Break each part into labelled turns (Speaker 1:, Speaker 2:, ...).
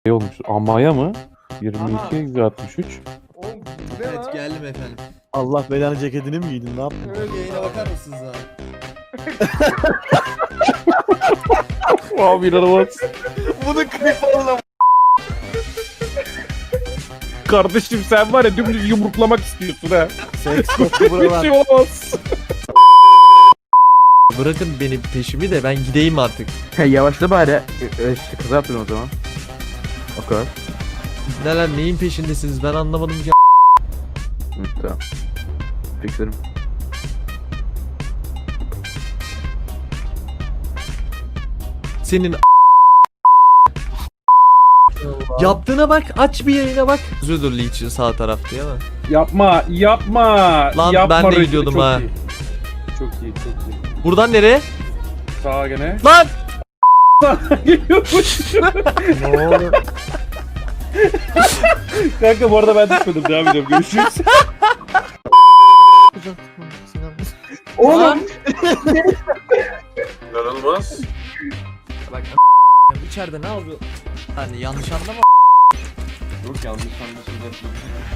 Speaker 1: olmuş. Amaya mı? 22-63.
Speaker 2: Oğlum bu ne
Speaker 3: Evet
Speaker 2: lan?
Speaker 3: geldim efendim.
Speaker 4: Allah belanı ceketini mi giydin? Ne yaptın?
Speaker 2: Evet.
Speaker 3: Yayına bakar mısınız abi?
Speaker 1: Abi inanılmaz.
Speaker 2: Bunu klip alalım.
Speaker 1: Kardeşim sen var ya dümdüz yumruklamak istiyorsun ha.
Speaker 4: Seks koktu
Speaker 1: Bir
Speaker 4: buralar.
Speaker 1: şey olmaz.
Speaker 3: Bırakın benim peşimi de ben gideyim artık.
Speaker 1: Yavaşla bari. İşte kaza yaptın o zaman. O kadar.
Speaker 3: Neler neyin peşindesiniz ben anlamadım ki.
Speaker 1: Hı, tamam. Fixlerim.
Speaker 3: Senin yaptığına bak, aç bir yayına bak. Zödür Leech'in sağ tarafta ya mı?
Speaker 1: Yapma, yapma.
Speaker 3: Lan
Speaker 1: yapma
Speaker 3: ben de
Speaker 1: Rachel,
Speaker 3: gidiyordum
Speaker 1: çok
Speaker 3: ha.
Speaker 1: iyi. Çok iyi, çok iyi.
Speaker 3: Buradan nereye?
Speaker 1: Sağa gene.
Speaker 3: Lan!
Speaker 4: Ne oldu?
Speaker 1: Kanka bu arada ben düşmedim. Devam ediyorum. Görüşürüz.
Speaker 3: Oğlum!
Speaker 1: İnanılmaz.
Speaker 3: Bak içeride ne yapıyor? Hani yanlış anlama.
Speaker 1: Yok yanlış anlaşıldı.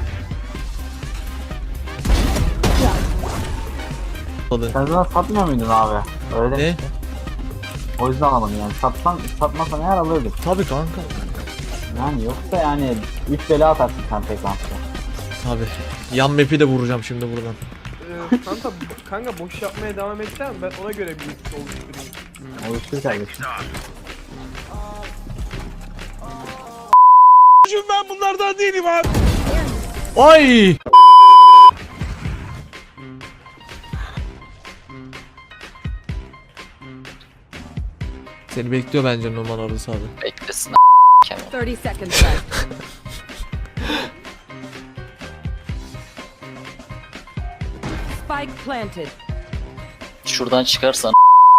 Speaker 5: Sen zaten satmıyor muydun abi? Öyle.
Speaker 3: Ne?
Speaker 5: O yüzden alamadım yani. Satmasan eğer alırdık.
Speaker 3: Tabii kanka.
Speaker 5: Yani yoksa yani 3 bela atarsın sen tek maçta.
Speaker 3: Tabii. Yan map'i de vuracağım şimdi buradan.
Speaker 2: Kanka boş yapmaya devam edeceğim ben ona göre bir liste oluşturayım.
Speaker 5: Oluştur kardeşim.
Speaker 1: Ben bunlardan değilim abi.
Speaker 3: Ay! Seni bekliyor bence Numan orası abi.
Speaker 6: Beklesin
Speaker 7: 30 seconds left. Spike planted.
Speaker 6: şuradan çıkarsan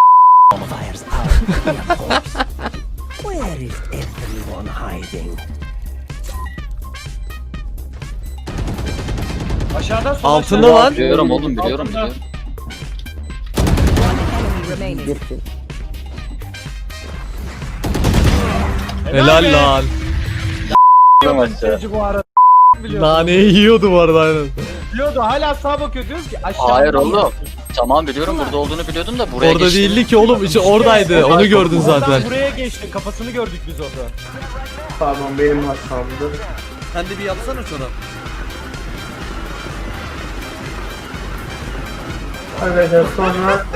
Speaker 2: Aşağıdan sol
Speaker 3: Altında lan.
Speaker 6: biliyorum oğlum biliyorum.
Speaker 7: Enemy remaining.
Speaker 3: Helal lan.
Speaker 2: aşağı. Bu arada
Speaker 3: Naneyi yiyordu bu arada aynen.
Speaker 2: biliyordu hala sağa bakıyor diyoruz ki aşağı.
Speaker 6: Hayır oğlum. Tamam biliyorum burada olduğunu biliyordum da buraya
Speaker 3: Orada
Speaker 6: geçtim.
Speaker 3: değildi ki oğlum, işte oradaydı. Onu gördün zaten.
Speaker 2: Buraya geçti kafasını gördük biz orada.
Speaker 4: Pardon benim hatamdı.
Speaker 3: Sen de bir yapsana şunu.
Speaker 4: Arkadaşlar sonra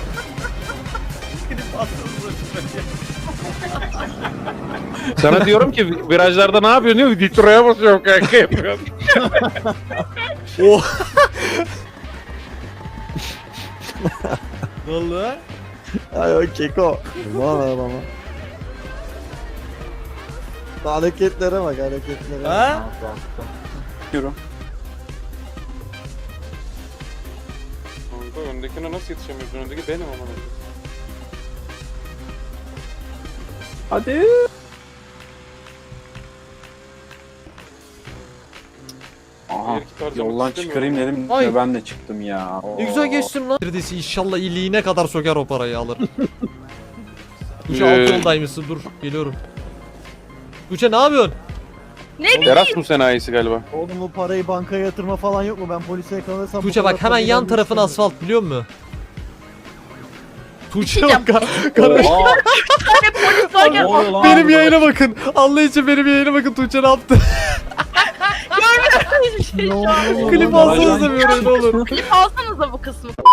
Speaker 1: Sana diyorum ki virajlarda ne yapıyorsun diyor. Nitro'ya basıyorum kanka yapıyorum.
Speaker 3: Oh. Ne oldu?
Speaker 4: ay o keko. Bana bana. Hareketlere bak hareketlere.
Speaker 3: Ha?
Speaker 1: Kanka öndekine nasıl yetişemiyorsun? Öndeki benim ama. Hadi.
Speaker 8: Aha, yoldan çıkarayım dedim.
Speaker 3: Ay.
Speaker 8: Ben de çıktım ya.
Speaker 3: Ne güzel geçtim lan. Neredeyse inşallah iyiliğine kadar söker o parayı alır. Tuğçe alt yoldaymışsın, dur geliyorum. Tuğçe ne yapıyorsun?
Speaker 1: Erasmus enayisi galiba.
Speaker 4: Oğlum bu parayı bankaya yatırma falan yok mu? Ben polise yakalanırsam...
Speaker 3: Tuğçe
Speaker 4: bu kadar
Speaker 3: bak hemen
Speaker 4: parayı
Speaker 3: yan
Speaker 4: vermek
Speaker 3: tarafın
Speaker 4: istemiyorum.
Speaker 3: asfalt biliyor musun? Tuğçe bak kardeş benim yayına bakın. Allah için benim yayına bakın, Tuğçe ne yaptı?
Speaker 4: Ne oldu?
Speaker 3: Klip alsanıza bir oraya ne olur.
Speaker 7: Klip alsanıza bu kısmı.